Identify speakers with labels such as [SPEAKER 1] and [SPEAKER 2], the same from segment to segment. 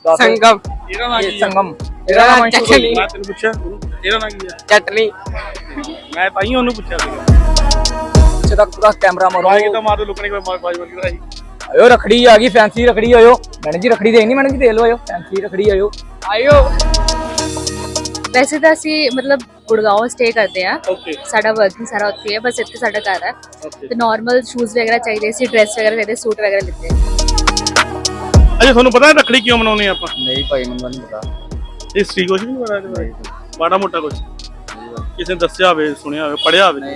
[SPEAKER 1] संगम
[SPEAKER 2] ਇਹਦਾ ਨਾਂ ਕੀ ਆ?
[SPEAKER 3] संगम
[SPEAKER 1] मेरा नाम चटनी
[SPEAKER 2] ਮੈਂ ਤੈਨੂੰ ਪੁੱਛਿਆ ਇਹਦਾ ਨਾਂ ਕੀ ਆ?
[SPEAKER 1] चटनी
[SPEAKER 2] ਮੈਂ ਤਾਂ ਹੀ ਉਹਨੂੰ ਪੁੱਛਿਆ ਸੀਗਾ।
[SPEAKER 3] पीछे तक पूरा कैमरा मारो
[SPEAKER 2] ਆਏ ਤਾਂ ਮਾਰ ਦੋ ਲੋਕਾਂ ਨੇ ਕੋਈ ਮਾਰ ਬਾਜ ਵਰਗੀ ਕਰਾਈ।
[SPEAKER 3] आयो रखड़ी आ गई फैंसी रखड़ी आयो मैडम जी रखड़ी देनी मैडम जी दे लो आयो फैंसी रखड़ी आयो
[SPEAKER 1] आयो
[SPEAKER 4] ਵੈਸੇ ਤਾਂ ਅਸੀਂ ਮਤਲਬ ਗੁੜਗਾਉਂ ਸਟੇ ਕਰਦੇ ਆ
[SPEAKER 2] ਓਕੇ
[SPEAKER 4] ਸਾਡਾ ਵਰਕਿੰਗ ਸਾਰਾ ਉੱਥੇ ਹੈ ਬਸ ਇੱਥੇ ਸਾਡਾ ਘਰ ਹੈ
[SPEAKER 2] ਓਕੇ।
[SPEAKER 4] ਤੇ ਨਾਰਮਲ ਸ਼ੂਜ਼ ਵਗੈਰਾ ਚਾਹੀਦੇ ਸੀ ਡਰੈਸ ਵਗੈਰਾ ਚਾਹੀਦੇ ਸੂਟ ਵਗੈਰਾ ਲਿੱਤੇ
[SPEAKER 2] ਅੱਛਾ ਤੁਹਾਨੂੰ ਪਤਾ ਰੱਖੜੀ ਕਿਉਂ ਮਨਾਉਂਦੇ ਆਪਾਂ?
[SPEAKER 3] नहीं भाई मैंने नहीं पता
[SPEAKER 2] ਹਿਸਟਰੀ ਕੁਝ ਵੀ ਨਹੀਂ ਪਤਾ ਇਹਦੇ ਬਾਰੇ? ਮਾੜਾ ਮੋਟਾ ਕੁਝ ਕਿਸੇ ਨੇ ਦੱਸਿਆ ਹੋਵੇ ਸੁਣਿਆ ਹੋਵੇ ਪੜਿਆ ਹੋਵੇ?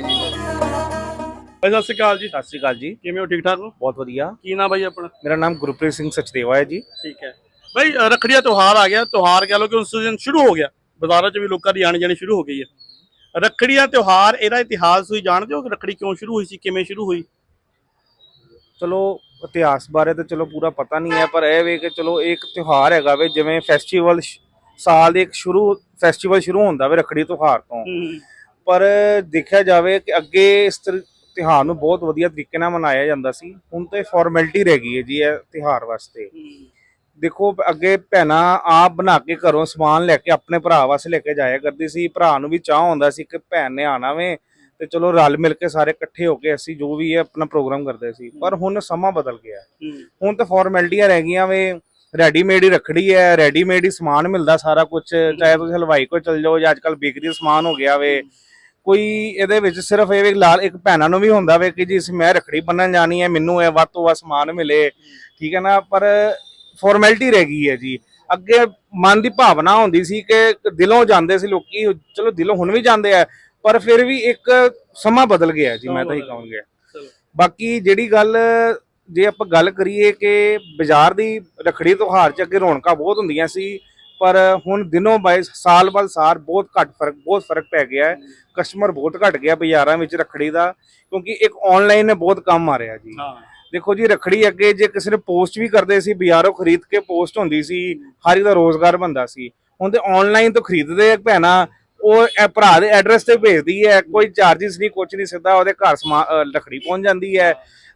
[SPEAKER 2] ਭਾਈ ਸਤਿ ਸ਼੍ਰੀ ਅਕਾਲ ਜੀ।
[SPEAKER 5] ਸਤਿ ਸ਼੍ਰੀ ਅਕਾਲ ਜੀ।
[SPEAKER 2] ਕਿਵੇਂ ਹੋ? ਠੀਕ ਠਾਕ ਹੋ?
[SPEAKER 5] ਬਹੁਤ ਵਧੀਆ।
[SPEAKER 2] ਕੀ ਨਾਮ ਬਾਈ ਆਪਣਾ?
[SPEAKER 5] ਮੇਰਾ ਨਾਮ ਗੁਰਪ੍ਰੀਤ ਸਿੰਘ ਸਚਦੇਵਾ ਹੈ ਜੀ।
[SPEAKER 2] ਠੀਕ ਹੈ ਬਾਈ, ਰੱਖੜੀ ਦਾ ਤਿਉਹਾਰ ਆ ਗਿਆ। ਤਿਉਹਾਰ ਕਹਿ ਲਓ ਕਿ ਉਸ ਸੀਜ਼ਨ ਸ਼ੁਰੂ ਹੋ ਗਿਆ, ਬਾਜ਼ਾਰਾਂ 'ਚ ਵੀ ਲੋਕਾਂ ਦੀ ਆਣੀ ਜਾਣੀ ਸ਼ੁਰੂ ਹੋ ਗਈ ਹੈ। ਰੱਖੜੀ ਦਾ ਤਿਉਹਾਰ, ਇਹਦਾ ਇਤਿਹਾਸ ਤੁਸੀਂ ਜਾਣਦੇ ਹੋ ਕਿ ਰੱਖੜੀ ਕਿਉਂ ਸ਼ੁਰੂ ਹੋਈ ਸੀ, ਕਿਵੇਂ ਸ਼ੁਰੂ ਹੋਈ?
[SPEAKER 5] ਚਲੋ ਇਤਿਹਾਸ ਬਾਰੇ ਤਾਂ ਚਲੋ ਪੂਰਾ ਪਤਾ ਨਹੀਂ ਹੈ, ਪਰ ਇਹ ਵੇ ਕਿ ਚਲੋ ਇਹ ਇੱਕ ਤਿਉਹਾਰ ਹੈਗਾ ਵੇ, ਜਿਵੇਂ ਫੈਸਟੀਵਲ ਸਾਲ ਦੇ ਇੱਕ ਫੈਸਟੀਵਲ ਸ਼ੁਰੂ ਹੁੰਦਾ ਵੇ ਰੱਖੜੀ ਤਿਉਹਾਰ ਤੋਂ। ਪਰ ਦੇਖਿਆ ਜਾਵੇ ਕਿ ਅੱਗੇ ਇਸ ਤਿਉਹਾਰ ਨੂੰ ਬਹੁਤ ਵਧੀਆ ਤਰੀਕੇ ਨਾਲ ਮਨਾਇਆ ਜਾਂਦਾ ਸੀ, ਹੁਣ ਤਾਂ ਫਾਰਮੈਲਿਟੀ ਰਹਿ ਗਈ ਹੈ ਜੀ ਇਹ ਤਿਉਹਾਰ ਵਾਸਤੇ। ਦੇਖੋ ਅੱਗੇ ਭੈਣਾਂ ਆਪ ਬਣਾ ਕੇ ਘਰੋਂ ਸਮਾਨ ਲੈ ਕੇ ਆਪਣੇ ਭਰਾ ਵਾਸਤੇ ਲੈ ਕੇ ਜਾਇਆ ਕਰਦੀ ਸੀ। ਭਰਾ ਨੂੰ ਵੀ ਚਾਹ ਹੁੰਦਾ ਸੀ ਕਿ ਭੈਣ ਨੇ ਆਣਾ ਵੇ ਤੇ ਚਲੋ ਰਲ ਮਿਲ ਕੇ ਸਾਰੇ ਇਕੱਠੇ ਹੋ ਕੇ ਅਸੀਂ ਜੋ ਵੀ ਹੈ ਆਪਣਾ ਪ੍ਰੋਗਰਾਮ ਕਰਦੇ ਸੀ। ਪਰ ਹੁਣ ਸਮਾਂ ਬਦਲ ਗਿਆ, ਹੁਣ ਤਾਂ ਫਾਰਮੈਲਿਟੀਆਂ ਰਹਿ ਗਈਆਂ ਵੇ। ਰੈਡੀਮੇਡ ਹੀ ਰੱਖੜੀ ਹੈ, ਰੈਡੀਮੇਡ ਹੀ ਸਮਾਨ ਮਿਲਦਾ ਸਾਰਾ ਕੁਝ, ਚਾਹੇ ਤੁਸੀਂ ਹਲਵਾਈ ਕੋਲ ਚਲ ਜਾਓ ਜਾਂ ਅੱਜ ਕੱਲ ਬੇਕਰੀ ਸਮਾਨ ਹੋ ਗਿਆ ਵੇ। ਕੋਈ ਇਹਦੇ ਵਿੱਚ ਸਿਰਫ ਇਹ ਲਾਲ ਇੱਕ ਭੈਣਾਂ ਨੂੰ ਵੀ ਹੁੰਦਾ ਵੇ ਕਿ ਜੀ ਮੈਂ ਰੱਖੜੀ ਬੰਨਣ ਜਾਣੀ ਹੈ, ਮੈਨੂੰ ਇਹ ਵੱਧ ਤੋਂ ਵੱਧ ਸਮਾਨ ਮਿਲੇ, ਠੀਕ ਹੈ ਨਾ। ਪਰ ਫਾਰਮੈਲਿਟੀ ਰਹਿ ਗਈ ਹੈ ਜੀ। ਅੱਗੇ ਮਨ ਦੀ ਭਾਵਨਾ ਹੁੰਦੀ ਸੀ ਕਿ ਦਿਲੋਂ ਜਾਂਦੇ ਸੀ ਲੋਕੀ, ਚਲੋ ਦਿਲੋਂ ਹੁਣ ਵੀ ਜਾਂਦੇ ਆ, ਪਰ ਫਿਰ ਵੀ ਇੱਕ ਸਮਾਂ ਬਦਲ ਗਿਆ ਜੀ, ਮੈਂ ਤਾਂ ਹੀ ਕਹਾਂਗਾ। ਬਾਕੀ ਜਿਹੜੀ ਗੱਲ ਜੇ ਆਪਾਂ ਗੱਲ ਕਰੀਏ ਕਿ ਬਾਜ਼ਾਰ ਦੀ ਰੱਖੜੀ ਤਿਉਹਾਰ 'ਚ ਅੱਗੇ ਰੌਣਕਾਂ ਬਹੁਤ ਹੁੰਦੀਆਂ ਸੀ, ਪਰ ਹੁਣ ਦਿਨੋਂ ਬਾਅਦ ਸਾਲ ਬਾਅਦ ਸਾਲ ਬਹੁਤ ਫਰਕ ਪੈ ਗਿਆ ਹੈ। ਕਸਟਮਰ ਬਹੁਤ ਘਟ ਗਿਆ ਬਾਜ਼ਾਰਾਂ ਵਿੱਚ ਰੱਖੜੀ ਦਾ, ਕਿਉਂਕਿ ਇੱਕ ਆਨਲਾਈਨ ਨੇ ਬਹੁਤ ਕੰਮ ਮਾਰਿਆ ਜੀ। ਦੇਖੋ ਜੀ ਰੱਖੜੀ ਅੱਗੇ ਜੇ ਕਿਸੇ ਨੇ ਪੋਸਟ ਵੀ ਕਰਦੇ ਸੀ, ਬਾਜ਼ਾਰੋਂ ਖਰੀਦ ਕੇ ਪੋਸਟ ਹੁੰਦੀ ਸੀ, ਹਰ ਇੱਕ ਦਾ ਰੋਜ਼ਗਾਰ ਬਣਦਾ ਸੀ। ਹੁਣ ਤੇ ਆਨਲਾਈਨ ਤੋਂ ਖਰੀਦਦੇ ਭੈਣਾਂ, ਉਹ ਭਰਾ ਦੇ ਐਡਰੈਸ ਤੇ ਭੇਜਦੀ ਹੈ, ਕੋਈ ਚਾਰਜਿਸ ਨਹੀਂ, ਕੁਝ ਨਹੀਂ, ਸਿੱਧਾ ਉਹਦੇ ਘਰ ਰੱਖੜੀ ਪਹੁੰਚ ਜਾਂਦੀ ਹੈ।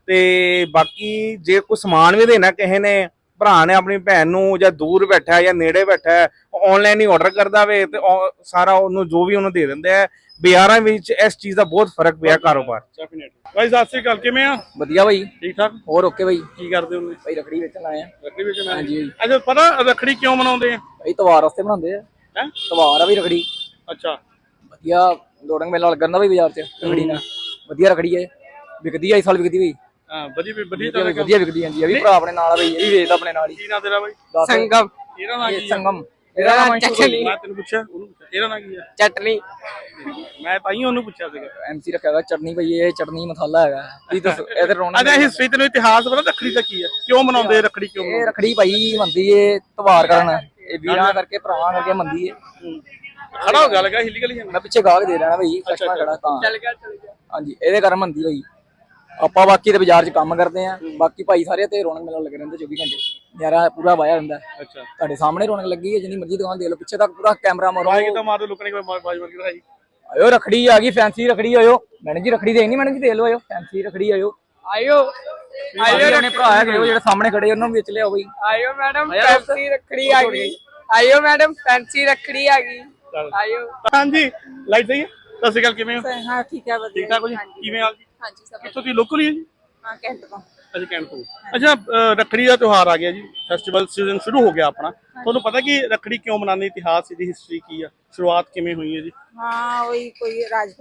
[SPEAKER 5] ਤੇ ਬਾਕੀ ਜੇ ਕੋਈ ਸਮਾਨ ਵੀ ਦੇਣਾ ਕਿਸੇ ਨੇ, ਭਰਾ ਨੇ ਆਪਣੀ ਭੈਣ ਨੂੰ, ਜਾਂ ਦੂਰ ਬੈਠਾ ਜਾਂ ਨੇੜੇ ਬੈਠਾ, ਆਨਲਾਈਨ ਹੀ ਆਰਡਰ ਕਰਦਾ ਵੇ ਤੇ ਸਾਰਾ ਉਹਨੂੰ ਜੋ ਵੀ ਉਹਨੂੰ ਦੇ ਦਿੰਦੇ ਆ। ਬਾਜ਼ਾਰਾਂ ਵਿੱਚ ਇਸ ਚੀਜ਼ ਦਾ ਬਹੁਤ ਫਰਕ ਪਿਆ ਕਾਰੋਬਾਰ।
[SPEAKER 2] ਭਾਈ ਸਤਿ ਸ਼੍ਰੀ ਅਕਾਲ, ਕਿਵੇਂ ਆ?
[SPEAKER 3] बढ़िया भाई
[SPEAKER 2] ਠੀਕ ਠਾਕ
[SPEAKER 3] और ओके भाई
[SPEAKER 2] ਕੀ ਕਰਦੇ ਹੁੰਦੇ?
[SPEAKER 3] भाई रखड़ी बेचन आए हैं
[SPEAKER 2] ਰੱਖੜੀ ਵਿੱਚ
[SPEAKER 3] हाँ जी भाई
[SPEAKER 2] ਅੱਛਾ ਪਤਾ ਰੱਖੜੀ ਕਿਉਂ ਮਨਾਉਂਦੇ ਆ?
[SPEAKER 3] भाई त्योहार वास्ते बनाते हैं
[SPEAKER 2] हैं?
[SPEAKER 3] त्योहार है भाई रखड़ी
[SPEAKER 2] ਅੱਛਾ
[SPEAKER 3] बढ़िया दौड़ंग मेला लगन भाई बाजार च रखड़ी ना बढ़िया रखड़ी है बिकदी है इस साल बिकदी भाई
[SPEAKER 2] ਹਾਂ ਵਧੀਆ ਵਧੀਆ
[SPEAKER 3] बढ़िया बिकदी है जी। अभी भरा अपने नाल भाई ये भी बेचदा अपने नाल ही
[SPEAKER 2] ਕੀ ਨਾਂ ਤੇਰਾ ਬਾਈ?
[SPEAKER 1] संगम
[SPEAKER 2] ਇਹਦਾ ਨਾਂ
[SPEAKER 3] ये
[SPEAKER 2] ਕੀ ਆ?
[SPEAKER 3] संगम
[SPEAKER 1] मेरा नाम
[SPEAKER 3] अंशु
[SPEAKER 1] चटनी
[SPEAKER 2] ਮੈਂ ਤੈਨੂੰ ਪੁੱਛਿਆ ਉਹਨੂੰ ਪੁੱਛਿਆ, ਇਹਦਾ ਨਾਂ ਕੀ ਆ?
[SPEAKER 1] चटनी
[SPEAKER 2] ਮੈਂ ਤਾਂ ਹੀ ਉਹਨੂੰ ਪੁੱਛਿਆ ਸੀਗਾ।
[SPEAKER 3] एमसी रखा है चटनी भाई ये चटनी मसाला है ये तो इधर रोना
[SPEAKER 2] ਅੱਛਾ ਹਿਸਟਰੀ ਤੈਨੂੰ ਇਤਿਹਾਸ ਪਤਾ ਰੱਖੜੀ ਦਾ ਕੀ ਹੈ, ਕਿਉਂ ਮਨਾਉਂਦੇ ਰੱਖੜੀ ਕਿਉਂ
[SPEAKER 3] ये
[SPEAKER 2] ਮਨਾਉਂਦੇ?
[SPEAKER 3] रखड़ी भाई मनदी है त्योहार करन ये वीरां करके भरावां करके मनदी है।
[SPEAKER 2] ਖੜਾ ਹੋ ਗਿਆ ਲਗਾ ਹਿੱਲੀ ਗਲੀ
[SPEAKER 3] मैं पीछे गाहक दे रहा ना भाई कस्टमर खड़ा तां
[SPEAKER 1] चल गया
[SPEAKER 3] हाँ जी ਇਹਦੇ ਕਾਰਨ ਮੰਦੀ ਭਾਈ। ਆਪਾਂ ਬਾਕੀ ਤੇ ਬਾਜ਼ਾਰ 'ਚ ਕੰਮ ਕਰਦੇ ਆਂ, ਬਾਕੀ ਭਾਈ ਸਾਰੇ ਤੇ ਰੌਣਕ ਮੇਲਾ ਲੱਗੇ ਰਹਿੰਦੇ 24 ਘੰਟੇ, ਯਾਰਾ ਪੂਰਾ ਵਾਇਆ ਹੁੰਦਾ।
[SPEAKER 2] ਅੱਛਾ
[SPEAKER 3] ਤੁਹਾਡੇ ਸਾਹਮਣੇ ਰੌਣਕ ਲੱਗੀ ਹੈ, ਜਿੰਨੀ ਮਰਜ਼ੀ ਦੁਕਾਨ ਦੇ ਲਓ, ਪਿੱਛੇ ਤੱਕ ਪੂਰਾ ਕੈਮਰਾ ਮਾਰੋ।
[SPEAKER 2] ਆਏ ਕਿਤਾ ਮਾਰ ਦੋ ਲੋਕਾਂ ਨੇ ਕੋਈ ਬਾਜ ਵਰਗੀ ਕਰਾਈ।
[SPEAKER 3] ਆਇਓ ਰੱਖੜੀ ਆ ਗਈ ਫੈਂਸੀ ਰੱਖੜੀ ਆਇਓ ਮੈਡਮ ਜੀ ਰਖੜੀ ਦੇਣੀ ਮੈਡਮ ਜੀ ਦੇ ਲਓ ਆਇਓ ਫੈਂਸੀ ਰੱਖੜੀ ਆਇਓ
[SPEAKER 1] आयो
[SPEAKER 3] ਆਇਓ ਆਪਣੇ ਭਰਾ ਹੈਗੇ ਉਹ ਜਿਹੜੇ ਸਾਹਮਣੇ ਖੜੇ ਉਹਨਾਂ ਨੂੰ ਵੇਚ ਲਿਆਓ ਬਈ।
[SPEAKER 1] आयो मैडम फैंसी रखड़ी आ गई आयो मैडम फैंसी रखड़ी आ गई आयो
[SPEAKER 2] ਹਾਂਜੀ ਲਾਈਟ ਸਹੀ ਹੈ? ਸਤਿ ਸ਼੍ਰੀ ਅਕਾਲ, ਕਿਵੇਂ ਹੋ?
[SPEAKER 4] ਹਾਂ ਠੀਕ ਹੈ
[SPEAKER 2] ਠੀਕ ਠਾਕ ਹੋ ਜੀ? ਕਿਵੇਂ ਆ ਜੀ?
[SPEAKER 4] ਹਾਂਜੀ ਸਭ
[SPEAKER 2] ਕਿੱਥੋਂ ਦੀ ਲੋਕਲ ਹੀ ਹੈ ਜੀ?
[SPEAKER 4] ਹਾਂ ਕੈਂਟ ਤੋਂ
[SPEAKER 2] ਅੱਛਾ ਕੈਂਟ ਤੋਂ। ਅੱਛਾ ਰੱਖੜੀ ਦਾ ਤਿਉਹਾਰ ਆ ਗਿਆ ਜੀ, ਫੈਸਟੀਵਲ ਸੀਜ਼ਨ ਸ਼ੁਰੂ ਹੋ ਗਿਆ ਆਪਣਾ। ਤੁਹਾਨੂੰ ਪਤਾ ਕਿ ਰੱਖੜੀ ਕਿਉਂ ਮਨਾਉਂਦੇ, ਇਤਿਹਾਸ ਇਹਦੀ ਹਿਸਟਰੀ ਕੀ ਆ, ਸ਼ੁਰੂਆਤ ਕਿਵੇਂ ਹੋਈ ਹੈ ਜੀ?
[SPEAKER 6] ਹਾਂ ਉਹੀ ਕੋਈ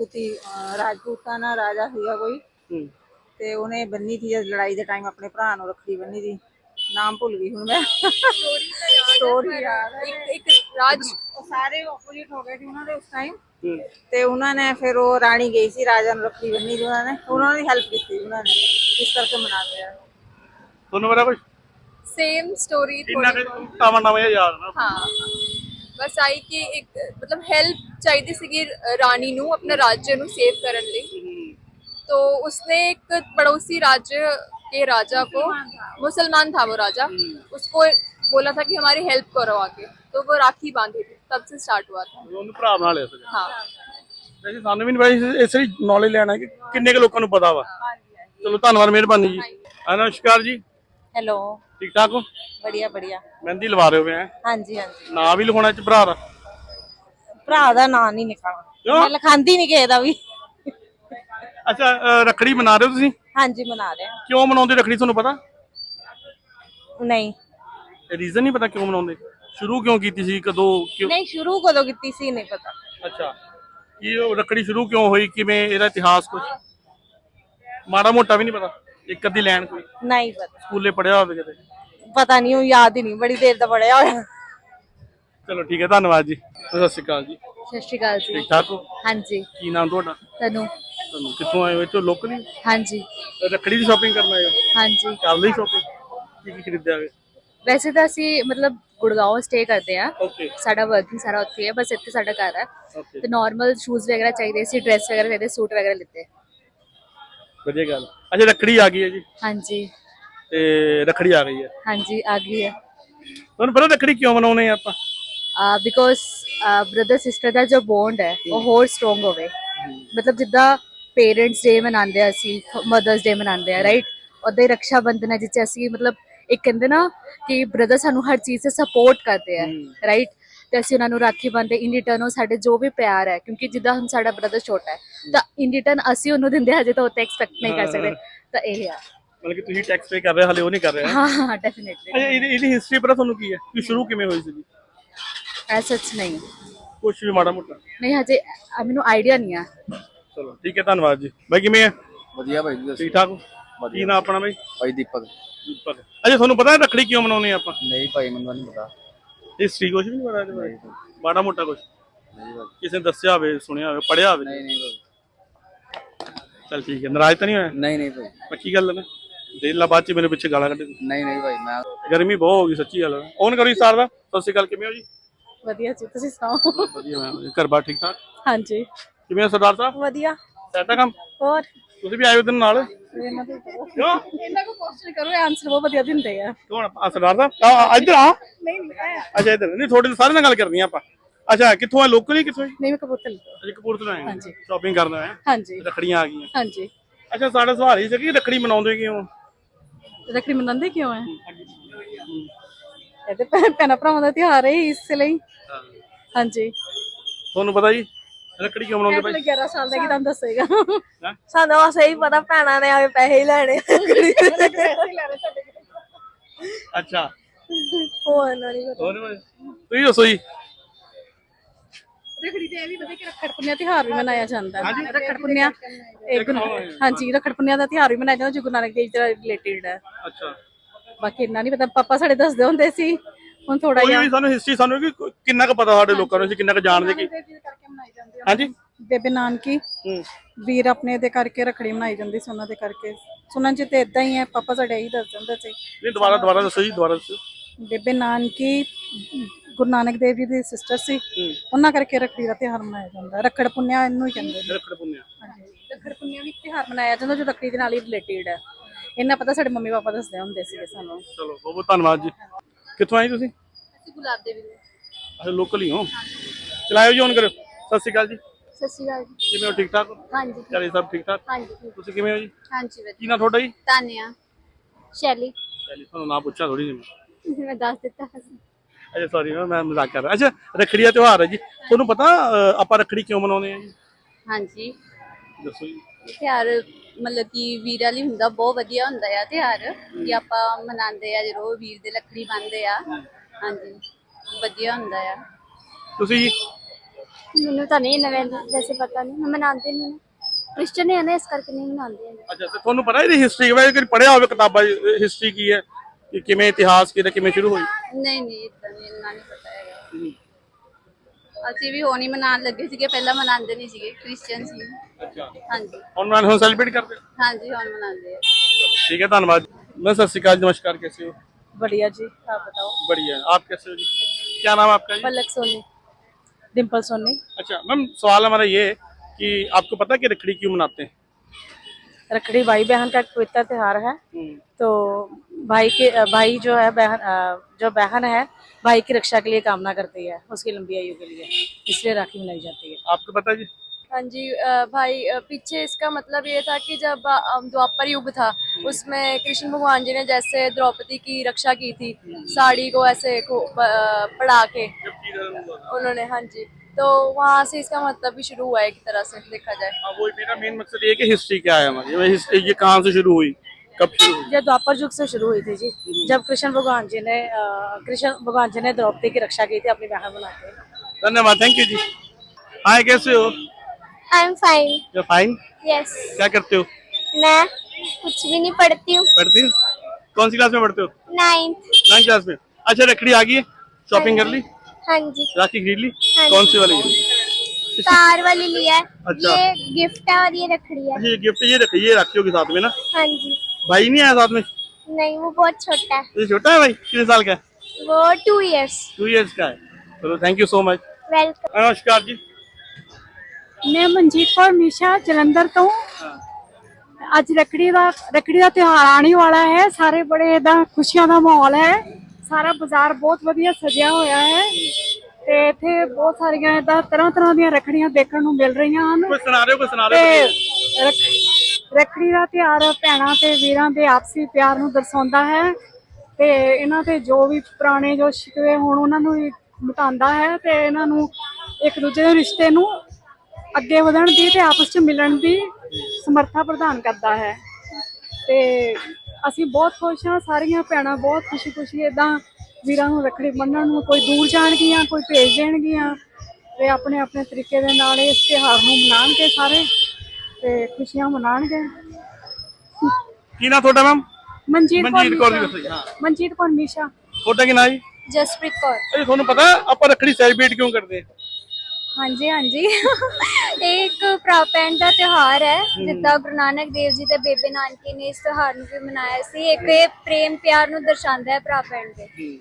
[SPEAKER 6] ਰਾਜਪੂਤਾਂ ਦਾ ਰਾਜਾ ਸੀਗਾ ਕੋਈ,
[SPEAKER 2] ਹੂੰ
[SPEAKER 6] ਤੇ ਉਹਨੇ ਬੰਨੀ ਸੀ ਜਦ ਲੜਾਈ ਦੇ ਟਾਈਮ ਆਪਣੇ ਭਰਾ ਨੂੰ ਰੱਖੜੀ ਬੰਨੀ ਸੀ। ਨਾਮ ਭੁੱਲ ਗਈ ਹੁਣ ਮੈਂ, ਸਟੋਰੀ ਯਾਦ ਹੈ।
[SPEAKER 4] ਇੱਕ ਰਾਜ
[SPEAKER 6] ਉਹ ਸਾਰੇ ਆਪੋਜੀਟ ਹੋ ਗਏ ਸੀ ਉਹਨਾਂ ਦੇ ਉਸ ਟਾਈਮ,
[SPEAKER 2] ਹੂੰ
[SPEAKER 6] ਤੇ ਉਹਨਾਂ ਨੇ ਫਿਰ ਉਹ ਰਾਣੀ ਗਈ ਸੀ ਰਾਜਾ ਨੂੰ ਰੱਖੜੀ ਬੰਨੀ ਸੀ, ਉਹਨਾਂ ਦੀ ਹੈਲਪ ਕੀਤੀ ਉਹਨਾਂ ਨੇ, ਇਸ ਕਰਕੇ ਮਨਾਉਂਦੇ ਆ।
[SPEAKER 2] ਤੁਹਾਨੂੰ ਪਤਾ ਕੁਝ
[SPEAKER 4] सेम स्टोरी
[SPEAKER 2] ਇੰਨਾ ਟਾਵਾ ਨਵਾਂ ਯਾਦ ਨਾ?
[SPEAKER 4] हाँ बस आई कि एक मतलब हेल्प चाहिए सी रानी नू अपने राज्य नू सेव करन लई, तो उसने एक पड़ोसी राज्य के राजा को, मुसलमान था वो राजा, उसको बोला था कि हमारी हेल्प करो आके, तो वो राखी बांधी थी, तब से स्टार्ट हुआ था।
[SPEAKER 2] ਉਹਨੂੰ ਭਰਾ ਬਣਾ ਲਿਆ ਸੀ।
[SPEAKER 4] हाँ
[SPEAKER 2] ਵੈਸੇ ਸਾਨੂੰ ਵੀ ਨਹੀਂ ਇਸ ਲਈ ਨੌਲੇਜ ਲੈਣਾ ਕਿ ਕਿੰਨੇ ਕੁ ਲੋਕਾਂ ਨੂੰ ਪਤਾ ਵਾ। ਚਲੋ ਧੰਨਵਾਦ, ਮਿਹਰਬਾਨੀ ਜੀ। ਨਮਸਕਾਰ ਜੀ,
[SPEAKER 7] हेलो
[SPEAKER 2] ठीक ठाक हो?
[SPEAKER 6] बढ़िया बढ़िया।
[SPEAKER 2] मेहंदी लवा रहे हो हैं?
[SPEAKER 6] हाँ जी हाँ जी।
[SPEAKER 2] ना भी लिखवाना च भरा दा?
[SPEAKER 6] भरा दा ਨਾਂ नहीं लिखाना।
[SPEAKER 2] क्यों?
[SPEAKER 6] मैं लिखांदी नहीं किसी दा भी।
[SPEAKER 2] अच्छा रखड़ी मना रहे हो तुसी?
[SPEAKER 6] हाँ जी मना रहे हैं।
[SPEAKER 2] क्यों मनाਉਂਦੇ रखड़ी ਤੁਹਾਨੂੰ ਪਤਾ?
[SPEAKER 6] नहीं
[SPEAKER 2] ਰੀਜ਼ਨ ਨਹੀਂ ਪਤਾ ਕਿਉਂ ਮਨਾਉਂਦੇ? ਸ਼ੁਰੂ ਕਿਉਂ ਕੀਤੀ ਸੀ ਕਦੋਂ ਕਿਉਂ?
[SPEAKER 6] नहीं शुरू कदों कीती सी नहीं पता।
[SPEAKER 2] ਅੱਛਾ ਕੀ ਉਹ ਰੱਖੜੀ ਸ਼ੁਰੂ ਕਿਉਂ ਹੋਈ ਕਿਵੇਂ ਇਹਦਾ ਇਤਿਹਾਸ ਕੁਝ ਮਾੜਾ ਮੋਟਾ ਵੀ ਨਹੀਂ ਪਤਾ ਇੱਕ ਅੱਧੀ ਲਾਈਨ ਕੋਈ
[SPEAKER 6] नहीं पता।
[SPEAKER 2] ਸਕੂਲੇ ਪੜਿਆ ਹੋਵੇ ਕਿਤੇ
[SPEAKER 6] पता नहीं हूँ याद ही नहीं बड़ी देर दा पढ़िया होया।
[SPEAKER 2] ਚਲੋ ਠੀਕ ਹੈ ਧੰਨਵਾਦ ਜੀ ਸਤਿ ਸ਼੍ਰੀ ਅਕਾਲ ਜੀ
[SPEAKER 4] ਸਤਿ ਸ਼੍ਰੀ ਅਕਾਲ ਜੀ।
[SPEAKER 2] ਠੀਕ ਠਾਕ ਹੋ
[SPEAKER 4] ਹਾਂਜੀ
[SPEAKER 2] ਕੀ ਨਾਮ ਤੁਹਾਡਾ
[SPEAKER 4] ਤਨੂੰ।
[SPEAKER 2] ਤੁਹਾਨੂੰ ਕਿੱਥੋਂ ਆਏ ਹੋ ਇੱਥੋਂ ਲੋਕਲ ਹੀ
[SPEAKER 4] ਹਾਂਜੀ
[SPEAKER 2] ਰੱਖੜੀ ਦੀ ਸ਼ਾਪਿੰਗ ਕਰਨ ਆਏ ਹੋ
[SPEAKER 4] ਹਾਂਜੀ।
[SPEAKER 2] ਕਰ ਲਈ ਸ਼ਾਪਿੰਗ ਕੀ ਖਰੀਦਿਆ ਹੋਵੇ
[SPEAKER 4] ਵੈਸੇ ਤਾਂ ਅਸੀਂ ਮਤਲਬ ਗੁੜਗਾਉਂ ਸਟੇ ਕਰਦੇ ਆ,
[SPEAKER 2] ਓਕੇ
[SPEAKER 4] ਸਾਡਾ ਵਰਕਿੰਗ ਸਾਰਾ ਉੱਥੇ ਹੈ, ਬਸ ਇੱਥੇ ਸਾਡਾ ਘਰ ਹੈ।
[SPEAKER 2] ਓਕੇ
[SPEAKER 4] ਤੇ ਨਾਰਮਲ ਸ਼ੂਜ਼ ਵਗੈਰਾ ਚਾਹੀਦੇ ਸੀ, ਡਰੈਸ ਵਗੈਰਾ ਚਾਹੀਦੇ, ਸੂਟ ਵਗੈਰਾ ਲਿੱਤੇ।
[SPEAKER 2] ਵਧੀਆ ਗੱਲ ਅੱਛਾ ਰੱਖੜੀ ਆ ਗਈ ਹੈ ਜੀ
[SPEAKER 4] ਹਾਂਜੀ
[SPEAKER 2] ਤੇ ਰੱਖੜੀ ਆ ਗਈ ਹੈ
[SPEAKER 4] ਹਾਂਜੀ ਆ ਗਈ ਹੈ।
[SPEAKER 2] ਤੁਹਾਨੂੰ ਪਤਾ ਰੱਖੜੀ ਕਿਉਂ ਮਨਾਉਂਦੇ ਆ ਆਪਾਂ?
[SPEAKER 4] ਬਿਕੋਜ਼ ਬ੍ਰਦਰ ਸਿਸਟਰ ਦਾ ਜੋ ਬੌਂਡ ਹੈ ਉਹ ਹੋਰ ਸਟਰੋਂਗ ਹੋਵੇ। ਮਤਲਬ ਜਿੱਦਾਂ ਪੇਰੈਂਟਸ ਡੇ ਮਨਾਉਂਦੇ ਆ ਅਸੀਂ, ਮਦਰਸ ਡੇ ਮਨਾਉਂਦੇ ਆ, ਰਾਈਟ, ਉਦਾਂ ਹੀ ਰਕਸ਼ਾ ਬੰਧਨ ਹੈ ਜਿੱਥੇ ਅਸੀਂ ਮਤਲਬ ਇੱਕ ਕਹਿੰਦੇ ਨਾ ਕਿ ਬ੍ਰਦਰ ਸਾਨੂੰ ਹਰ ਚੀਜ਼ 'ਚ ਸਪੋਰਟ ਕਰਦੇ ਆ, ਰਾਈਟ, ਤੇ ਅਸੀਂ ਉਹਨਾਂ ਨੂੰ ਰਾਖੀ ਬੰਨ੍ਹਦੇ ਇਨ ਰਿਟਰਨ। ਉਹ ਸਾਡੇ ਜੋ ਵੀ ਪਿਆਰ ਹੈ, ਕਿਉਂਕਿ ਜਿੱਦਾਂ ਹੁਣ ਸਾਡਾ ਬ੍ਰਦਰ ਛੋਟਾ ਹੈ ਤਾਂ ਇਨ ਰਿਟਰਨ ਅਸੀਂ ਉਹਨੂੰ ਦਿੰਦੇ ਹਜੇ ਤਾਂ ਉਹ ਤਾਂ ਐਕਸਪੈਕਟ ਨਹੀਂ ਕਰ ਸਕਦੇ। ਤਾਂ ਇਹ ਆ।
[SPEAKER 2] ਮਤਲਬ ਕਿ ਤੁਸੀਂ ਟੈਕਸ ਪੇ ਕਰ ਰਹੇ ਹਲੇ ਉਹ ਨਹੀਂ ਕਰ ਰਹੇ
[SPEAKER 4] ਹਾਂ ਹਾਂ ਡੈਫੀਨਿਟਲੀ।
[SPEAKER 2] ਅੱਛਾ ਇਹਦੀ ਹਿਸਟਰੀ ਪਤਾ ਤੁਹਾਨੂੰ ਕੀ ਹੈ ਕਿ ਸ਼ੁਰੂ ਕਿਵੇਂ ਹੋਈ ਸੀ?
[SPEAKER 4] ਐਸਾ ਨਹੀਂ
[SPEAKER 2] ਕੁਝ ਵੀ ਮਾੜਾ ਮੋਟਾ
[SPEAKER 4] ਨਹੀਂ ਹਜੇ ਮੈਨੂੰ ਆਈਡੀਆ ਨਹੀਂ ਆ।
[SPEAKER 2] ਚਲੋ ਠੀਕ ਹੈ ਧੰਨਵਾਦ ਜੀ ਬਾਈ ਕਿਵੇਂ ਆ?
[SPEAKER 3] ਵਧੀਆ ਭਾਈ ਜੀ
[SPEAKER 2] ਠੀਕ ਠਾਕ ਹੋ? ਕੀ ਨਾਮ ਆਪਣਾ ਬਾਈ?
[SPEAKER 3] ਭਾਈ ਦੀਪਕ।
[SPEAKER 2] ਦੀਪਕ। ਅੱਛਾ ਤੁਹਾਨੂੰ ਪਤਾ ਰੱਖੜੀ ਕਿਉਂ ਮਨਾਉਂਦੇ ਆ ਆਪਾਂ?
[SPEAKER 3] ਨਹੀਂ ਭਾਈ ਮੈਨੂੰ ਨਹੀਂ ਪਤਾ।
[SPEAKER 2] ਹਿਸਟਰੀ ਕੁਝ ਵੀ ਨਹੀਂ ਪਤਾ ਇਹਦੇ ਬਾਰੇ? ਮਾੜਾ ਮੋਟਾ ਕੁਝ ਕਿਸੇ ਨੇ ਦੱਸਿਆ ਹੋਵੇ, ਸੁਣਿਆ ਹੋਵੇ, ਪੜਿਆ ਹੋਵੇ?
[SPEAKER 3] ਨਹੀਂ ਭਾਈ।
[SPEAKER 2] ਚਲ ਠੀਕ ਹੈ ਨਾਰਾਜ਼ ਤਾਂ ਨਹੀਂ ਹੋਇਆ?
[SPEAKER 3] ਨਹੀਂ ਭਾਈ।
[SPEAKER 2] ਪੱਕੀ ਗੱਲ ਹੈ ਨਾ? ਦੇਖ ਲਾ ਬਾਅਦ ਚ ਮੇਰੇ ਪਿੱਛੇ ਗਾਲਾਂ ਕੱਢੇ।
[SPEAKER 3] ਨਹੀਂ ਭਾਈ ਮੈਂ
[SPEAKER 2] ਗਰਮੀ ਬਹੁਤ ਹੋ ਗਈ ਸੱਚੀ ਗੱਲ ਹੈ। ਔਨ ਕਰੋ ਜੀ ਸਾਰ ਦਾ। ਸਤਿ ਸ਼੍ਰੀ ਅਕਾਲ ਕਿਵੇਂ ਹੋ ਜੀ?
[SPEAKER 6] ਵਧੀਆ ਜੀ ਤੁਸੀਂ ਸੁਣਾਓ।
[SPEAKER 2] ਵਧੀਆ ਮੈਂ ਘਰ ਬਾਰ ਠੀਕ ਠਾਕ?
[SPEAKER 6] ਹਾਂਜੀ
[SPEAKER 2] ਕਿਵੇਂ ਹੋ ਸਰਦਾਰ ਸਾਹਿਬ?
[SPEAKER 6] ਵਧੀਆ।
[SPEAKER 2] ਸੈਟਾ ਕੰਮ?
[SPEAKER 6] ਹੋਰ
[SPEAKER 2] ਤੁਸੀਂ ਵੀ ਆਏ ਹੋ ਦਿਨ ਨਾਲ?
[SPEAKER 6] ਇਹਨਾਂ ਦੇ ਕਰੋ।
[SPEAKER 2] ਕਿਉਂ?
[SPEAKER 6] ਇਹਨਾਂ ਕੋ ਕੁਐਸਚਨ ਕਰੋ, ਆਨਸਰ ਬਹੁਤ ਵਧੀਆ ਦਿੰਦੇ ਆ।
[SPEAKER 2] ਕੌਣ ਆ ਸਰਦਾਰ ਸਾਹਿਬ? ਆ ਇੱਧਰ ਆ।
[SPEAKER 6] ਨਹੀਂ ਨਹੀਂ
[SPEAKER 2] ਅੱਛਾ ਇੱਧਰ ਨਹੀਂ ਤੁਹਾਡੇ ਸਾਰੇ ਨਾਲ ਗੱਲ ਕਰਨੀ ਆ ਆਪਾਂ। ਅੱਛਾ ਕਿੱਥੋਂ ਆ? ਲੋਕਲ ਹੀ ਕਿੱਥੋਂ?
[SPEAKER 6] ਨਹੀਂ ਮੈਂ ਕਬੂਤਰ
[SPEAKER 2] ਅਜੇ ਕਪੂਰਥਲਾ ਆਏ
[SPEAKER 6] ਹਾਂਜੀ।
[SPEAKER 2] ਸ਼ਾਪਿੰਗ ਕਰਨ ਆਏ
[SPEAKER 6] ਹਾਂਜੀ
[SPEAKER 2] ਰੱਖੜੀਆਂ ਆ ਗਈਆਂ।
[SPEAKER 6] ਹਾਂਜੀ।
[SPEAKER 2] ਅੱਛਾ ਸਾਡਾ ਸਵਾਲ ਹੀ ਸੀ ਕਿ ਰੱਖੜੀ ਮਨਾਉਂਦੇ ਕਿਉਂ?
[SPEAKER 6] ਰੱਖੜੀ ਮਨਾਉਂਦੇ ਕਿਉਂ ਹੈ? ਇਹ ਤੇ ਭੈਣਾਂ ਭਰਾਵਾਂ ਦਾ ਤਿਉਹਾਰ ਹੈ ਇਸ ਲਈ। ਹਾਂਜੀ।
[SPEAKER 2] ਤੁਹਾਨੂੰ ਪਤਾ ਜੀ ਰੱਖੜੀ ਕਿਉਂ ਮਨਾਉਂਦੇ ਭਾਈ?
[SPEAKER 6] 11 ਸਾਲ ਦਾ ਕੀ ਤੁਹਾਨੂੰ ਦੱਸੇਗਾ।
[SPEAKER 2] ਹੈਂ?
[SPEAKER 6] ਸਾਨੂੰ ਬਸ ਇਹੀ ਪਤਾ ਭੈਣਾਂ ਨੇ ਆਵੇ ਪੈਸੇ ਹੀ ਲੈਣੇ।
[SPEAKER 2] ਅੱਛਾ
[SPEAKER 6] ਹੋਰ ਨਾ ਨਹੀਂ ਪਤਾ।
[SPEAKER 2] ਹੋਰ ਤੁਸੀਂ ਦੱਸੋ ਜੀ।
[SPEAKER 6] ਰੱਖੜੀ ਤੇ ਇਹ ਵੀ ਪਤਾ ਕਿ ਰੱਖੜ ਪੁੰਨਿਆ ਤਿਉਹਾਰ ਵੀ ਮਨਾਇਆ ਜਾਂਦਾ ਹੈ। ਰੱਖੜ ਪੁੰਨਿਆ ਹਾਂਜੀ ਰੱਖੜ ਪੁੰਨਿਆ ਦਾ ਤਿਉਹਾਰ ਵੀ ਮਨਾਇਆ ਜਾਂਦਾ ਜੋ ਗੁਰੂ ਨਾਨਕ ਦੇਵ ਜੀ ਨਾਲ ਰਿਲੇਟਡ ਹੈ।
[SPEAKER 2] ਅੱਛਾ
[SPEAKER 6] ਬਾਕੀ ਇੰਨਾ ਨਹੀਂ ਪਤਾ, ਪਾਪਾ ਸਾਡੇ ਦੱਸਦੇ ਹੁੰਦੇ ਸੀ, ਹੁਣ ਥੋੜਾ
[SPEAKER 2] ਕੋਈ
[SPEAKER 6] ਜਿਹਾ।
[SPEAKER 2] ਵੀ ਸਾਨੂੰ ਹਿਸਟਰੀ ਸਾਨੂੰ ਕਿ ਕਿੰਨਾ ਕੁ ਪਤਾ ਸਾਡੇ ਲੋਕਾਂ ਨੂੰ ਅਸੀਂ ਕਿੰਨਾ ਕੁ ਜਾਣਦੇ ਕਿ ਹਾਂਜੀ
[SPEAKER 6] ਬੇਬੇ ਨਾਨਕੀ ਵੀਰ ਆਪਣੇ ਦੇ ਕਰਕੇ ਰੱਖੜੀ ਮਨਾਈ ਜਾਂਦੀ ਸੀ, ਉਹਨਾਂ ਦੇ ਕਰਕੇ ਸੁਣਨ ਚ ਤੇ ਇਦਾਂ ਹੀ ਹੈ। ਪਾਪਾ ਸਾਡੇ ਇਹੀ ਦੱਸ ਦਿੰਦੇ ਸੀ।
[SPEAKER 2] ਨਹੀਂ ਦੁਬਾਰਾ ਦੱਸੋ ਜੀ ਦੁਬਾਰਾ ਦੱਸੋ।
[SPEAKER 6] ਬੇਬੇ ਨਾਨਕੀ ਗੁਰੂ ਨਾਨਕ ਦੇਵ ਜੀ ਦੀ ਸਿਸਟਰ ਸੀ, ਉਹਨਾਂ ਕਰਕੇ ਰੱਖੜੀ ਦਾ ਤਿਉਹਾਰ ਮਨਾਇਆ ਜਾਂਦਾ। ਰੱਖੜ ਪੁੰਨਿਆ ਇਹਨੂੰ ਹੀ ਕਹਿੰਦੇ ਨੇ।
[SPEAKER 2] ਰੱਖੜ ਪੁੰਨਿਆ।
[SPEAKER 6] ਹਾਂਜੀ ਰੱਖੜ ਪੁੰਨਿਆ ਵੀ ਤਿਉਹਾਰ ਮਨਾਇਆ ਜਾਂਦਾ ਜੋ ਰੱਖੜੀ ਦੇ ਨਾਲ ਹੀ ਰਿਲੇਟਡ ਹੈ। ਇਹਨਾਂ ਪਤਾ ਸਾਡੇ ਮੰਮੀ ਪਾਪਾ ਦੱਸਦੇ ਹੁੰਦੇ ਸੀ ਸਾਨੂੰ।
[SPEAKER 2] ਚਲੋ ਬਹੁਤ ਬਹੁਤ ਧੰਨਵਾਦ ਜੀ। ਕਿੱਥੋਂ ਆਏ ਤੁਸੀਂ?
[SPEAKER 4] ਅਸੀਂ ਗੁਲਾਬ ਦੇਵੀ ਦੇ।
[SPEAKER 2] ਅੱਛਾ ਲੋਕਲ ਹੀ ਹੋ। ਚਲਾਇਓ ਜੀ ਔਨ ਕਰੋ। ਸਤਿ ਸ਼੍ਰੀ ਅਕਾਲ ਜੀ।
[SPEAKER 4] ਸਤਿ ਸ਼੍ਰੀ ਅਕਾਲ ਜੀ।
[SPEAKER 2] ਕਿਵੇਂ ਹੋ? ਠੀਕ ਠਾਕ ਹੋ?
[SPEAKER 4] ਹਾਂਜੀ
[SPEAKER 2] ਘਰੇ ਸਭ ਠੀਕ ਠਾਕ?
[SPEAKER 4] ਹਾਂਜੀ
[SPEAKER 2] ਤੁਸੀਂ ਕਿਵੇਂ ਹੋ ਜੀ?
[SPEAKER 4] ਹਾਂਜੀ
[SPEAKER 2] ਕੀ ਨਾਮ ਤੁਹਾਡਾ ਜੀ?
[SPEAKER 4] ਤਾਨਿਆ ਸ਼ੈਲੀ।
[SPEAKER 2] ਪਹਿਲੇ ਤੁਹਾਨੂੰ ਨਾਮ ਪੁੱਛਿਆ ਥੋੜੀ ਜਿਹੀ।
[SPEAKER 4] ਮੈਂ ਦੱਸ ਦਿੱਤਾ।
[SPEAKER 2] ਅੱਛਾ ਸੌਰੀ ਮੈਂ ਮਜ਼ਾਕ ਕਰ ਰਿਹਾ। ਅੱਛਾ ਰੱਖੜੀ ਦਾ ਤਿਉਹਾਰ ਹੈ ਜੀ, ਤੁਹਾਨੂੰ ਪਤਾ ਆਪਾਂ ਰੱਖੜੀ ਕਿਉਂ ਮਨਾਉਂਦੇ ਆ ਜੀ?
[SPEAKER 4] ਹਾਂਜੀ
[SPEAKER 2] ਦੱਸੋ ਜੀ।
[SPEAKER 4] ਤਿਉਹਾਰ ਮਤਲਬ ਕਿ ਵੀਰਾਂ ਲਈ ਹੁੰਦਾ, ਬਹੁਤ ਵਧੀਆ ਹੁੰਦਾ ਆ ਤਿਉਹਾਰ ਕਿ ਆਪਾਂ ਮਨਾਉਂਦੇ ਆ ਜਦੋਂ ਵੀਰ ਦੇ ਰੱਖੜੀ ਬੰਨ੍ਹਦੇ ਆ। ਹਾਂਜੀ ਵਧੀਆ ਹੁੰਦਾ ਆ।
[SPEAKER 2] ਤੁਸੀਂ ਜੀ?
[SPEAKER 7] ਮੈਨੂੰ ਤਾਂ ਨਹੀਂ ਨਵੇਂ ਵੈਸੇ ਪਤਾ ਨਹੀਂ, ਮਨਾਉਂਦੇ ਨਹੀਂ, ਕ੍ਰਿਸਚਨ ਹੈ ਨਾ ਇਸ ਕਰਕੇ ਨਹੀਂ ਮਨਾਉਂਦੇ।
[SPEAKER 2] ਅੱਛਾ ਤੇ ਤੁਹਾਨੂੰ ਪਤਾ ਇਹਦੀ ਹਿਸਟਰੀ ਬਾਰੇ ਕੋਈ ਪੜਿਆ ਹੋਵੇ ਕਿਤਾਬਾਂ ਹਿਸਟਰੀ ਕੀ ਹੈ ਕਿ ਕਿਵੇਂ ਇਤਿਹਾਸ ਕਿਵੇਂ ਸ਼ੁਰੂ ਹੋਈ?
[SPEAKER 4] ਨਹੀਂ ਇਦਾਂ ਨਹੀਂ, ਇੰਨਾ ਨਹੀਂ ਪਤਾ ਹੈਗਾ। ਅਸੀਂ ਵੀ ਹੁਣ ਹੀ ਮਨਾਉਣ ਲੱਗੇ ਸੀਗੇ, ਪਹਿਲਾਂ ਮਨਾਉਂਦੇ ਨਹੀਂ ਸੀਗੇ, ਕ੍ਰਿਸਚਨ ਸੀ।
[SPEAKER 2] ਅੱਛਾ
[SPEAKER 4] ਹਾਂਜੀ
[SPEAKER 2] ਹੁਣ ਸੈਲੀਬ੍रेट करते हैं?
[SPEAKER 4] ਹਾਂਜੀ ਹੁਣ ਮਨਾਉਂਦੇ ਆ।
[SPEAKER 2] ठीक है धन्यवाद। मैं सत श्रीकाल नमस्कार कैसे हो?
[SPEAKER 6] बढ़िया जी आप बताओ।
[SPEAKER 2] बढ़िया आप कैसे हो जी? क्या नाम है आपका जी?
[SPEAKER 6] पलक सोनी, डिम्पल सोनी।
[SPEAKER 2] अच्छा मैम सवाल हमारा ये है कि आपको पता है कि रखड़ी क्यों मनाते हैं?
[SPEAKER 6] रखड़ी भाई बहन का एक पवित्र त्योहार है। तो भाई जो है बहन है भाई की रक्षा के लिए कामना करती है, उसकी लंबी आयु के लिए, इसलिए राखी मनाई जाती है।
[SPEAKER 2] आपको पता है जी?
[SPEAKER 8] हाँ जी भाई पीछे इसका मतलब ये था कि जब द्वापर युग था उसमें कृष्ण भगवान जी ने जैसे द्रौपदी की रक्षा की थी साड़ी को ऐसे पड़ा के उन्होंने, हाँ जी, तो वहाँ से इसका मतलब भी शुरू हुआ है एक तरह से देखा जाए।
[SPEAKER 2] हाँ, वही मेरा मेन मकसद ये है कि हिस्ट्री क्या है हमारी, ये कहाँ से शुरू हुई, कब शुरू हुई?
[SPEAKER 9] ये द्वापर युग से शुरू हुई थी जी, जब कृष्ण भगवान जी ने द्रौपदी की रक्षा की थी अपनी बहन बना के।
[SPEAKER 2] धन्यवाद, थैंक यू जी। हाय, कैसे हो?
[SPEAKER 7] I am fine.
[SPEAKER 2] You fine?
[SPEAKER 7] Yes.
[SPEAKER 2] क्या करते हो?
[SPEAKER 7] मैं कुछ भी नहीं पढ़ती हूँ।
[SPEAKER 2] पढ़ती हो? कौन सी क्लास में पढ़ते हो?
[SPEAKER 7] 9th।
[SPEAKER 2] 9th क्लास में। अच्छा, रखड़ी आ गई है, शॉपिंग कर ली,
[SPEAKER 7] हाँ जी।
[SPEAKER 2] राखी खरीद ली?
[SPEAKER 7] हाँ
[SPEAKER 2] कौन
[SPEAKER 7] जी।
[SPEAKER 2] सी वाली?
[SPEAKER 7] कार वाली लिया है।
[SPEAKER 2] अच्छा।
[SPEAKER 7] ये गिफ्ट है और ये रखड़ी है।
[SPEAKER 2] अच्छा, ये गिफ्ट ये राखियों के साथ में ना?
[SPEAKER 7] हाँ जी।
[SPEAKER 2] भाई नहीं आया साथ में?
[SPEAKER 7] नहीं, वो बहुत छोटा है।
[SPEAKER 2] ये छोटा है भाई, कितने साल का है?
[SPEAKER 7] वो 2 years।
[SPEAKER 2] 2 years का है। चलो, thank you so much.
[SPEAKER 7] Welcome.
[SPEAKER 2] नमस्कार जी।
[SPEAKER 9] मैं ਮਨਜੀਤ ਕੌਰ ਮੀਸ਼ਾ ਜਲੰਧਰ ਤੋਂ। ਅੱਜ ਰੱਖੜੀ ਦਾ ਤਿਉਹਾਰ ਆਉਣ ਵਾਲਾ ਹੈ। ਸਾਰੇ ਬੜੇ ਇਦਾਂ ਖੁਸ਼ੀਆਂ ਦਾ ਮਾਹੌਲ ਹੈ। ਸਾਰਾ ਬਾਜ਼ਾਰ ਬਹੁਤ ਵਧੀਆ ਸਜਿਆ ਹੋਇਆ ਹੈ ਤੇ ਇੱਥੇ ਬਹੁਤ ਸਾਰੀਆਂ ਇਦਾਂ ਤਰ੍ਹਾਂ ਦੀਆਂ ਰੱਖੜੀਆਂ ਦੇਖਣ ਨੂੰ ਮਿਲ ਰਹੀਆਂ ਹਨ।
[SPEAKER 2] ਕੁਝ ਸੁਣਾ ਰਹੇ ਹੋ?
[SPEAKER 9] ਤੇ ਰੱਖੜੀ ਦਾ ਤਿਉਹਾਰ ਭੈਣਾਂ ਤੇ ਵੀਰਾਂ ਦੇ ਆਪਸੀ ਪਿਆਰ ਨੂੰ ਦਰਸਾਉਂਦਾ ਹੈ ਤੇ ਇਹਨਾਂ ਤੇ ਜੋ ਵੀ ਪੁਰਾਣੇ ਜੋ ਸ਼ਿਕਵੇ ਹੋਣ ਉਹਨਾਂ ਨੂੰ ਵੀ ਮਿਟਾਉਂਦਾ ਹੈ ਤੇ ਇਹਨਾਂ ਨੂੰ ਇੱਕ ਦੂਜੇ ਦੇ ਰਿਸ਼ਤੇ ਨੂੰ ਅੱਗੇ ਵਧਣ ਦੀ ਤੇ ਆਪਸ ਚ ਮਿਲਣ ਦੀ ਸਮਰੱਥਾ ਪ੍ਰਦਾਨ ਕਰਦਾ ਹੈ ਤੇ ਅਸੀਂ ਬਹੁਤ ਖੁਸ਼ ਹਾਂ। ਸਾਰੀਆਂ ਭੈਣਾਂ ਬਹੁਤ ਖੁਸ਼ੀ ਇਦਾਂ ਵੀਰਾਂ ਨੂੰ ਰੱਖੜੀ ਬੰਨ੍ਹਣ ਨੂੰ, ਕੋਈ ਦੂਰ ਜਾਣਗੀਆਂ, ਕੋਈ ਭੇਜ ਦੇਣਗੀਆਂ ਤੇ ਆਪਣੇ ਆਪਣੇ ਤਰੀਕੇ ਦੇ ਨਾਲ ਇਸ ਤਿਉਹਾਰ ਨੂੰ ਮਨਾਉਣਗੇ ਸਾਰੇ ਤੇ ਖੁਸ਼ੀਆਂ ਮਨਾਉਣਗੇ।
[SPEAKER 2] ਕੀ ਨਾ ਤੁਹਾਡਾ ਮੈਮ?
[SPEAKER 9] ਮਨਜੀਤ
[SPEAKER 2] ਕੌਰ
[SPEAKER 9] ਕੌਰ
[SPEAKER 2] ਜੀ। ਹਾਂ,
[SPEAKER 9] ਮਨਜੀਤ ਕੌਰ ਮੀਸ਼ਾ।
[SPEAKER 2] ਤੁਹਾਡਾ ਕੀ ਨਾਂ ਜੀ?
[SPEAKER 4] ਜਸਪ੍ਰੀਤ ਕੌਰ।
[SPEAKER 2] ਇਹ ਤੁਹਾਨੂੰ ਪਤਾ ਆਪਾਂ ਰੱਖੜੀ ਸੈਲੀਬ੍ਰੇਟ ਕਿਉਂ ਕਰਦੇ ਹਾਂ?
[SPEAKER 7] ਹਾਂਜੀ ਹਾਂਜੀ ਇਹ ਇੱਕ ਭਰਾ ਭੈਣ ਦਾ ਤਿਉਹਾਰ ਹੈ। ਜਿੱਦਾਂ ਗੁਰੂ ਨਾਨਕ ਦੇਵ ਜੀ ਤੇ ਬੇਬੇ ਨਾਨਕੀ ਨੇ ਇਸ ਤਿਉਹਾਰ ਨੂੰ ਵੀ ਮਨਾਇਆ ਸੀ। ਇੱਕ ਇਹ ਪ੍ਰੇਮ ਪਿਆਰ ਨੂੰ ਦਰਸਾਉਂਦਾ ਹੈ ਭਰਾ ਭੈਣ ਦੇ।